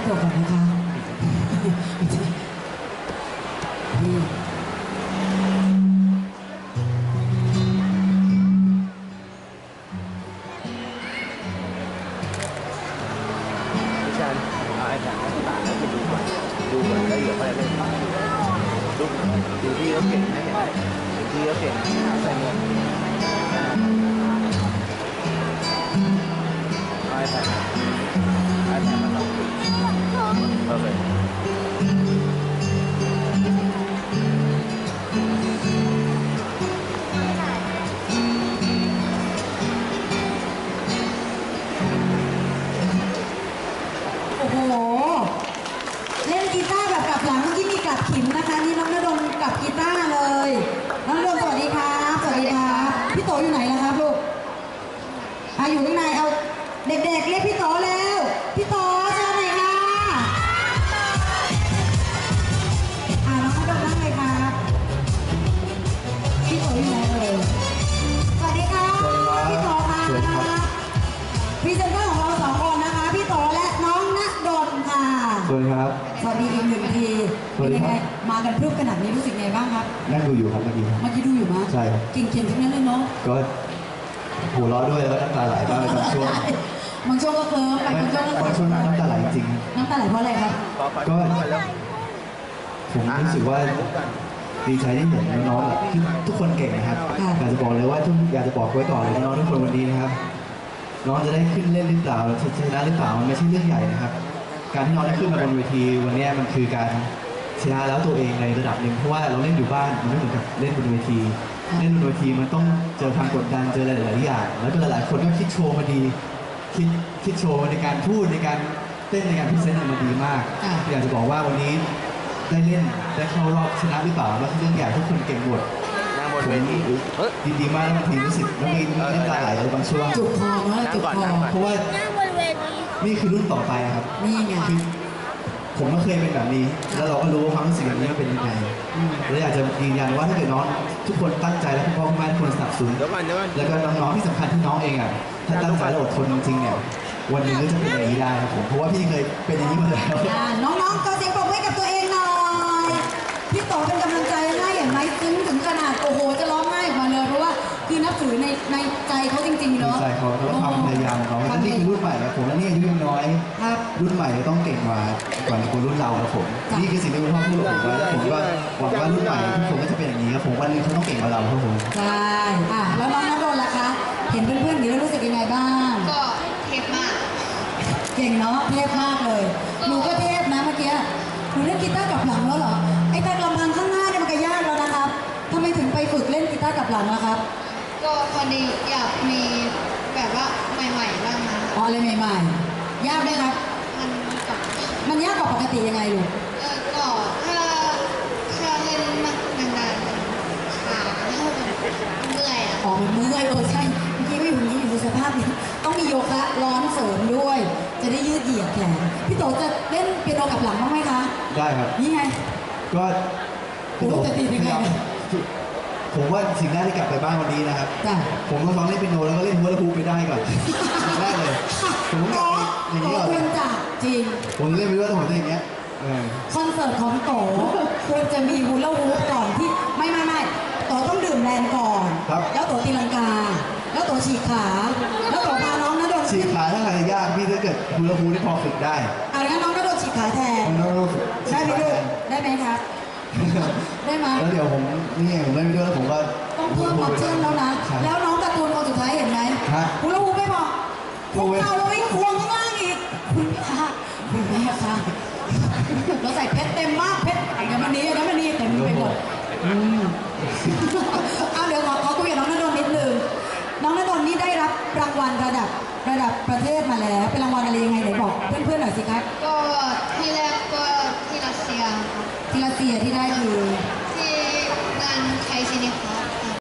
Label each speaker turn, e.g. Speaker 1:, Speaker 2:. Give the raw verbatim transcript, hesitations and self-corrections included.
Speaker 1: ตัวก่อนนะคะนี่
Speaker 2: พี่ชันเอาไอ้แผ่นนั้นตาให้ไปดูก่อนดูก่อนแล้วเดี๋ยวไปเล่นดูดูพี่เขาเก่งนะเห็นไหมดูพี่เขาเก่งใส่เงินเอาไอ้แผ่นไอ้แผ่นมาต่อโอเค
Speaker 1: โอ้โหเล่นกีตาร์แบบกลับหลังเมื่อกี้มีกลับขิมนะคะนี่น้องณดลกลับกีตาร์เลยน้องณดลสวัสดีครับสวัสดีครับพี่โตอยู่ไหนล่ะครับลูกอ่ะอยู่ข้างในเอาเด็กๆเรียกพี่โตแล้วพี่โตเชิญหน่อยค่ะอ่ะน้องณดลนั่งเลยครับพี่โตอยู่ไหนเลยสวัสดีครับพี่โตค่ะพรีเซนเตอร์ของเราสองคนนะคะพี่โตและน้องณดลค่ะ
Speaker 3: สวัสดีครับ
Speaker 1: สวัสดีอีกหนึ่งทีเป็นยังไงมากันพรึบขนาดนี้รู้สึกไงบ้างครับ
Speaker 3: นั่งดูอยู่ครับเมื่อกี้
Speaker 1: เมื่อกี้ดูอยู่มั้ย
Speaker 3: ใช่ครับ
Speaker 1: เก่งๆทั้งนั้นเลยเนาะ
Speaker 3: ก็หัวเราะด้วยแล้วก็น้ำตาไหลบ้างในบางช่วง
Speaker 1: บางช่วงก็เคิร์ฟไปบางช่วงก็
Speaker 3: บางช่วงน้ำตาไหลจริง
Speaker 1: น้ำตาไหลเพราะอะไรครับ
Speaker 3: ก็ผมรู้สึกว่าดีใจที่เห็นน้องๆแบบทุกคนเก่งนะครับอยากจะบอกเลยว่าทุกอยากจะบอกไว้ก่อนเลยน้องๆทุกคนวันนี้นะครับน้องจะได้ขึ้นเล่นหรือเปล่าชนะหรือเปล่ามันไม่ใช่เรื่องใหญ่นะครับการที่น้องได้ขึ้นมาบนเวทีวันนี้มันคือการชนะแล้วตัวเองในระดับหนึ่งเพราะว่าเราเล่นอยู่บ้านมันไม่เหมือนกับเล่นบนเวทีเล่นบนเวทีมันต้องเจอความกดดันเจอหลายๆอย่างแล้วก็หลายๆคนก็คิดโชว์มาดีคิดคิดโชว์ในการพูดในการเต้นในการพรีเซนต์มาดีมากอยากจะบอกว่าวันนี้ได้เล่นได้เข้ารอบชนะหรือเปล่าแล้วเรื่องใหญ่ทุกคนเก่งหมดผมดีดีมากแล้วบางทีรู้สึกแล้วมีน้ำตาไหลในบางช่วง
Speaker 1: จุกคอเนาะจุกคอ
Speaker 3: เพราะว่านี่คือรุ่นต่อไปครับ
Speaker 1: นี่ไง
Speaker 3: ผมก็เคยเป็นแบบนี้แล้วเราก็รู้ว่าความรู้สึกแบบนี้มันเป็นยังไงและอยากจะยืนยันว่าถ้าเกิดน้องทุกคนตั้งใจและพ่อแม่ทุกคนสนับสนุนแล้วก็น้องๆที่สำคัญที่น้องเองอ่ะถ้าตั้งใจและอดทนจริงๆเนี่ยวันนี้ก็จะเป็นอย่างนี้ได้ครับผมเพราะว่าพี่เคยเป็นอย่างนี้มาแล้ว
Speaker 1: น้องๆก็เสียงปรบมือให้กับตัวเองหน่อยพี่โตเป็นกำลังใจให้เห็นไหมซึ้งถึงขนาดโอ้โหจะร้องไห้ออกมาเลยเพราะว่าคือนับถือในในใจเขาจริงๆเนาะ
Speaker 3: ใจเขาแล้วความพยายามของเขาและนี่คือรุ่นใหม่ครับผมและนี่อายุยังน้อยรุ่นใหม่ต้องเก่งกว่ากว่าคนรุ่นเราครับผมนี่คือสิ่งที่คุณพ่อพูดกับผมว่าผมว่าหวังว่ารุ่นใหม่ทุกคนก็จะเป็นอย่างนี้ครับผมวันนึงเขาต้องเก่งกว่าเราครับผม
Speaker 1: ใช่อ่ะแล้วน้องณดลล่ะคะเห็นเพื่อนๆอย่างนี้แล้วรู้สึกยังไงบ้าง
Speaker 4: ก็เทพมาก
Speaker 1: เก่งเนาะเทพมากเลยหนูก็เทพนะเมื่อกี้หนูเล่นกีตาร์กับหลังแล้วเหรอไอ้แต่ลำพังข้างหน้าเนี่ยมันก็ยากแล้วนะครับทำไมถึงไปฝึกเล่นกีตาร์กับหลังล่ะครับ
Speaker 4: ก็พอดีอยากมีแบบว่าใหม่ๆบ้างนะ
Speaker 1: อ๋ออะไรใหม่ๆยากไหมครับ
Speaker 4: มันกับ
Speaker 1: มันยากกว่าปกติยังไงลูก
Speaker 4: เออก็ถ้าถ้าเล่นมากนานๆขาเมื่อยอ่ะ
Speaker 1: อ๋อมันเมื่อยเออใช่เมื่อกี้ไม่อยู่นี้อยู่สภาพนี้ต้องมีโยคะร้อนเสริมด้วยจะได้ยืดเหยียดแขนพี่โตจะเล่นเปียโนกับหลังบ้างไหมคะ
Speaker 3: ได้ครับ
Speaker 1: นี่ไง
Speaker 3: ก็
Speaker 1: พี่โตจะตียังไง
Speaker 3: ผมว่าสิ่งแรกที่กลับไปบ้านวันนี้นะครับผมต้องฟังเล่นเปียโนแล้วก็เล่นฮูลาฮูปไปได้ก่อนสิ่งแรกเลยผมต้องอย่างนี้ก่อน
Speaker 1: ควรจะจริง
Speaker 3: ผมเล่นไปด้วยแต่ผมจะอย่างเงี้ย
Speaker 1: คอนเสิร์ตของโตควรจะมีฮูลาฮูปก่อนที่ไม่ไม่ไม่โตต้องดื่มแรงก่อนแล้วโตตีลังกาแล้วโตฉีกขาแล้วโตพาน้องณดล
Speaker 3: ฉีกขาถ้าใครยากพี่ถ้าเกิดฮูลาฮูปนี่พอฝึกได้
Speaker 1: เอางั้นน้องณดลฉีกขาแทนได้ไหมลูกได้ไหมครับได้ไหม
Speaker 3: แล้วเดี๋ยวผมนี่ผมไม่ไปด้วยแล้วผมก็
Speaker 1: ต้องเพิ่มออปชั่นแล้วนะแล้วน้องการ์ตูนคนสุดท้ายเห็นไหมฮูลาฮูปไม่พอคุกเข่าลงไปควงข้างล่างอีกคุณค่ะคุณแม่ค่ะเราใส่เพชรเต็มมากเพชรอย่างนี้อย่างนี้เต็มไปหมดเอาเดี๋ยวขอขอคุยกับน้องณดลนิดนึงน้องณดลนี่ได้รับรางวัลระดับระดับประเทศมาแล้วเป็นรางวัลอะไรยังไงไหนบอกเพื่อนๆหน่อยสิครับ
Speaker 4: ก็ที่แรกก็ที่รัสเซีย
Speaker 1: ที่รัสเซียที่ได้คือ